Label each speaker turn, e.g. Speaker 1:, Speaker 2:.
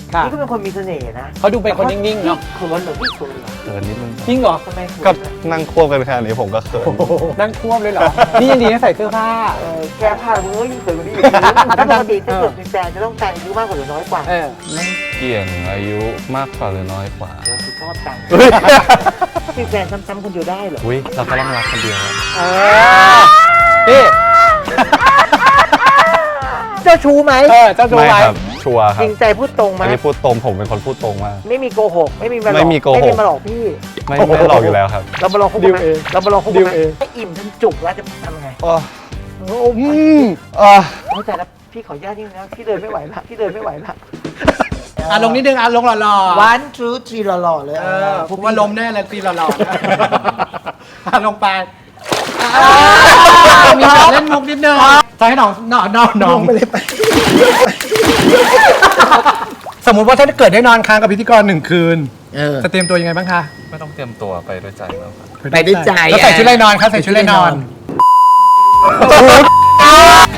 Speaker 1: นี่ก็เป็นคนมีเสน่ห์นะ
Speaker 2: เขาดูเป็นคนนิ่งๆเนาะ
Speaker 1: เขินเหรอพี่เขินเหรอ
Speaker 3: เขินนิดนึง
Speaker 2: จริงเหรอ
Speaker 1: ทำไมเขิน
Speaker 3: ก็นั่งควบกันแค่นี้ผมก็เขิน
Speaker 2: นั่งควบเลยเหรอ นี่ยังดีนะใส่เสื้อผ้า
Speaker 1: แก้ผ้ามึงก็ยิ่งเขินกว่านี้อีกถ้าปกติถ้าเกิดมีแฟนจะต้องแฟนอายุมากกว่าหรือน้อยกว่า
Speaker 3: ไม่เกี่ยงอายุมากกว่าหรือน้อยกว่า
Speaker 1: โอ้คือชอบจังมีแฟนซ้ำๆคนเดียวได้เหรอ
Speaker 3: อุ้ยเราก็ต้องรักคนเดียว
Speaker 2: นี่
Speaker 1: เจ้าชู้ไหม
Speaker 2: เจ้าชู้
Speaker 3: ไม่
Speaker 2: ไว้
Speaker 3: ครับชัวร์ค
Speaker 1: จ
Speaker 3: รับ
Speaker 1: ริงใจพูดตรงไหม
Speaker 3: อันนี้พูดตรงผมเป็นคนพูดตรงมาก
Speaker 1: ไม่มีโกหก ไม่มีมาหลอก
Speaker 3: ไม่มีโกหก
Speaker 1: ไม่มีมาหลอกพี่
Speaker 3: ไม่หลอกอยู่แล้วครับ
Speaker 1: เรามาลองคบกันไหม
Speaker 2: ดิวเอง
Speaker 1: เรามาลองคบกันไหม
Speaker 2: ดิวเอง
Speaker 1: ให้อิ่มจนจุกแล้วจะทำไง
Speaker 3: อ๋อ
Speaker 1: เข้าใจแล้วพี่ขออนุญาตนิดนึงนะพี่เดินไม่ไหวละพี่เดินไม่ไหวละ
Speaker 2: ลงนิดนึงลงหล่อๆ
Speaker 1: วันทรูทีหล่อๆเลย
Speaker 2: ผมว่าลมแน่เลยตีหล่อๆลงไปมีแบบเล่นมุกนิดนึงจะให้น้องไปเลยไปสมมุติว่าถ้าเกิดได้นอนค้างกับพิธีกร1 คืนจะเตรียมตัวยังไงบ้างคะ
Speaker 3: ไม่ต้องเตรียมตัวไปด้วยใจแล้วครับ
Speaker 1: ไปด้วยใจ
Speaker 2: แล้วใส่ชุดอะไรนอนคะใส่ชุดอะไรนอน